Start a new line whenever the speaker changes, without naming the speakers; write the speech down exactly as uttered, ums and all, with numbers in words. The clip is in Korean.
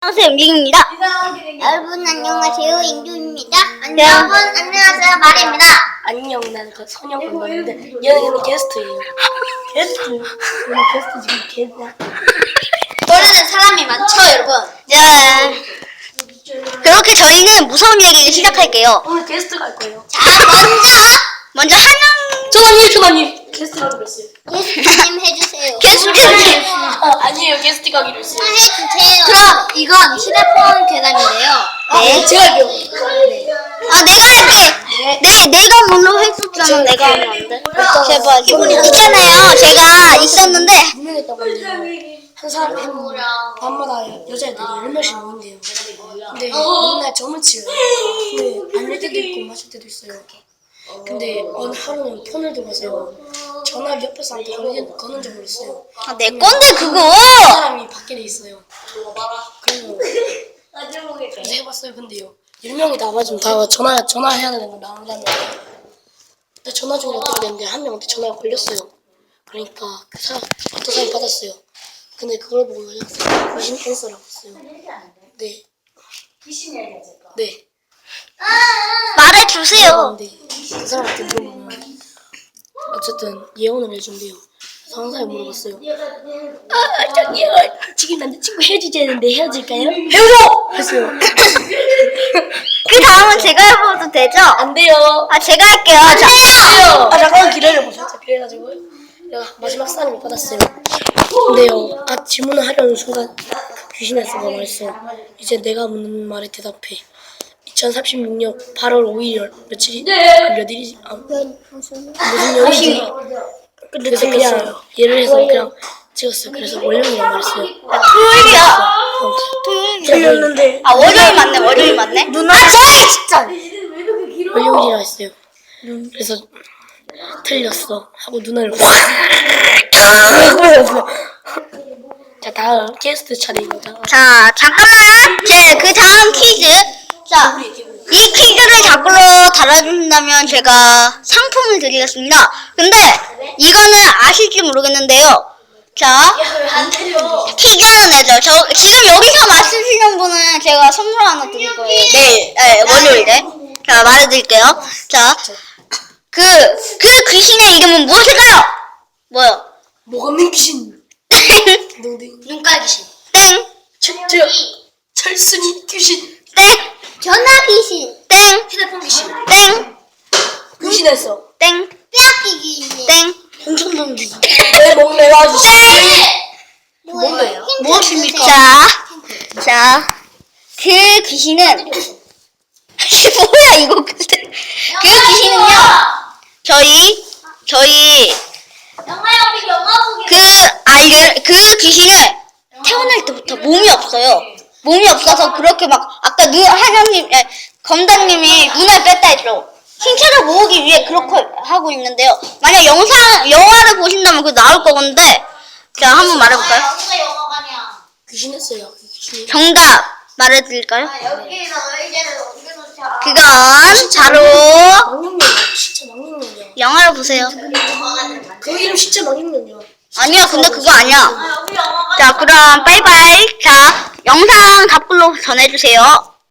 안녕하세요, 임진입니다.
여러분 안녕하세요, 인규입니다. 여러분 안녕하세요, 마리입니다.
안녕, 나는 그 선영 건너인데 얘는 게스트예요. 게스트. 오늘 게스트 지금 게스트야.
노래는 사람이 많죠, 여러분.
자, 그렇게 저희는 무서운 얘기를 시작할게요.
오늘 게스트 갈 거예요.
자, 먼저
먼저 한 명,
전화님, 전화님. 게스트 가기로 했어요.
게스트님 해주세요.
게스트님.
어, 아니에요, 게스트 가기로 했어요.
해주세요. 그럼 이건 휴대폰 계단인데요.
네.
제가 할게요.
아, 내가 할게. 네, 내가 먼저 했었잖아. 내가 하면 안 돼. 제발. 있잖아요. 제가 있었는데.
유명했다고 하는데요. 한 사람 한 밤마다 여자애들이 열 명씩 모인대요. 근데 맨날 점을 치요. 근데 안 할 때도 있고 마실 때도 있어요. 근데 어느 하루는 폰을 들고서요. 전화기 옆에 사람한테 거는, 거는 적을 있어요.
아, 내 건데, 그거.
그 사람이 밖에 있어요. 그래서 그래서 해봤어요. 근데요, 열 명이 다 맞으면 다 전화 전화해야 되는 거 나온다면. 근데 전화 중에 어떻게 됐는데 한 명한테 전화가 걸렸어요. 그러니까 그 사람 어떤 사람이 받았어요. 근데 그걸 보고 그냥 귀신 캔서라고 했어요. 네. 네.
말해주세요.
근데 그 사람한테 물어보면 어쨌든 예언을 해준대요. 그래서 한 사람이 물어봤어요. 아, 저기요, 지금 남자친구 헤어지자는데 헤어질까요? 헤어져! 했어요.
그 다음은 제가 해봐도 되죠?
안 돼요.
아, 제가 할게요. 자,
아, 잠깐만 기다려보세요. 자, 그래가지고 내가 마지막 사람을 받았어요. 근데요, 아, 질문을 하려는 순간 귀신에서가 말했어요. 이제 내가 묻는 말에 대답해. 이천삼십육 년 팔월 오일 며칠이 몇 일이지? 아, 무슨 요일이지? 그래서 그냥 예를 해서 그냥 찍었어요. 그래서 월요일이라고 말했어요.
토요일이야.
틀렸는데
아, 월요일 맞네, 월요일 맞네. 누나. 아, 저희 진짜.
월요일이라 했어요. 그래서 틀렸어 하고 눈을 확 보였어. 자, 다음 게스트 차례입니다.
자, 잠깐만. 제 그 다음 퀴즈. 자, 이 퀴즈를 답글로 달아주신다면 제가 상품을 드리겠습니다. 근데 이거는 아실지 모르겠는데요. 자, 퀴즈는 내죠. 저 지금 여기서 맞추시는 분은 제가 선물 하나 드릴 거예요. 내일, 네, 월요일에. 자, 말해드릴게요. 자, 그, 그 귀신의 이름은 무엇일까요? 뭐요?
뭐가 민 귀신?
땡!
농댕.
눈깔 귀신.
땡!
철저 철순이 귀신.
땡!
전화 귀신.
땡!
휴대폰 귀신.
땡!
귀신했어.
땡!
뼈아끼 귀신.
땡!
홍천동 귀신. 내 목내 와주시.
뭐예요?
무엇입니까?
자, 자, 그 귀신은 뭐야 이거 근데 그 귀신은요 저희 저희
영화야, 우리 영화 보기.
그 알게 그 귀신은 태어날 때부터 몸이 없어요. 몸이 없어서 그렇게 막 아까 누 하나님 에, 검단님이 눈을 뺐다 했죠. 신체를 모으기 위해 그렇게 하고 있는데요. 만약 영상 영화를 보신다면 그 나올 거건데 자 한번 말해볼까요?
어디가 영화관이야?
귀신했어요. 귀신.
정답 말해드릴까요?
여기서 의자를 옮겨놓자.
그건 바로
망령년이야. 진짜 망령년이야.
영화를 보세요.
그 이름 진짜 망령년이야.
아니야, 근데 그거 아니야.
아, 여기 영화관.
자, 그럼 빠이빠이. 자, 영상 답글로 전해주세요.